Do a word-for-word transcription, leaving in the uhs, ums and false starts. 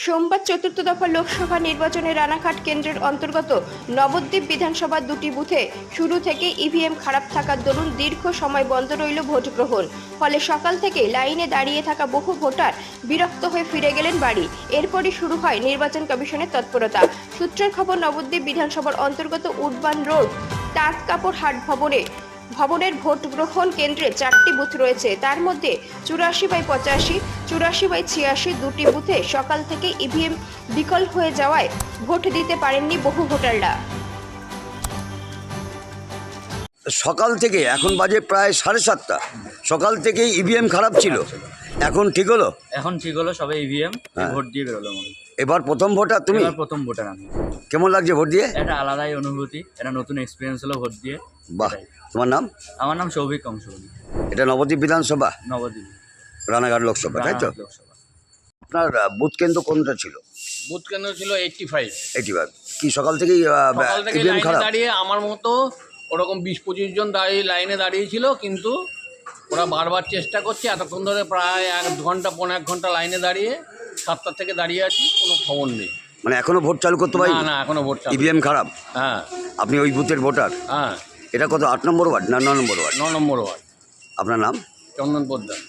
সোমবার চতুর্থ দফা লোকসভা নির্বাচনে রানাঘাট কেন্দ্রের অন্তর্গত নবদ্বীপ বিধানসভার দুটি বুথে শুরু থেকে ইভিএম খারাপ থাকার দরুন দীর্ঘ সময় বন্ধ রইল ভোট গ্রহণ। ফলে সকাল থেকে লাইনে দাঁড়িয়ে থাকা বহু ভোটার বিরক্ত হয়ে ফিরে গেলেন বাড়ি। এরপরই শুরু হয় নির্বাচন কমিশনের তৎপরতা। সূত্রের খবর, নবদ্বীপ বিধানসভার অন্তর্গত উডবান রোড তাঁত কাপড় হাট ভবনে ভবনের ভোট গ্রহণ কেন্দ্রে চারটি বুথ রয়েছে। তার মধ্যে চুরাশি বাই পঁচাশি, চুরাশি বাই ছিয়াশি দুটি বুথে সকাল থেকে ইভিএম বিকল হয়ে যাওয়ায় ভোট দিতে পারেননি বহু ভোটাররা। সকাল থেকে এখন বাজে প্রায় সাড়ে সাতটা, সকাল থেকে ইভিএম খারাপ ছিল, এখন ঠিক হলো? এখন ঠিক হলো, সবাই ইভিএম ভোট দিয়ে বেরোলো। এবার প্রথম ভোটার তুমি? এবার প্রথম ভোটার আমি। কেমন লাগছে ভোট দিয়ে? একটা আলাদাই অনুভূতি, একটা নতুন এক্সপিরিয়েন্স হলো ভোট দিয়ে। বাহ, তোমার নাম? আমার নাম সৌভিক কংসবলী। এটা নবদ্বীপ বিধানসভা, নবদ্বীপ রানাঘাট লোকসভা, তাই তো? লোকসভা। আপনার বুথ কেন্দ্র কোনটা ছিল? বুথ কেন্দ্র ছিল এইটটি ফাইভ। এইটি ফাইভ কি সকাল থেকেই সকাল থেকে ইভিএম লাইনে খারাপ? দাঁড়িয়ে আমার মতো ওরকম বিশ পঁচিশ জন দাঁড়িয়ে লাইনে দাঁড়িয়েছিল, কিন্তু ওরা বারবার চেষ্টা করছে। এতক্ষণ ধরে প্রায় এক ঘন্টা পনেরো এক ঘন্টা লাইনে দাঁড়িয়ে সাতটার থেকে দাঁড়িয়ে আছি, কোনো খবর নেই। মানে এখনো ভোট চালু করতে পারি? না না এখনো ভোট চালু। ইভিএম খারাপ? হ্যাঁ আপনি ওই বুথের ভোটার? হ্যাঁ এটা কত, আট নম্বর ওয়ার্ড না ন নম্বর ওয়ার্ড? ন নম্বর ওয়ার্ড। আপনার নাম? চন্দন পোদ্দার।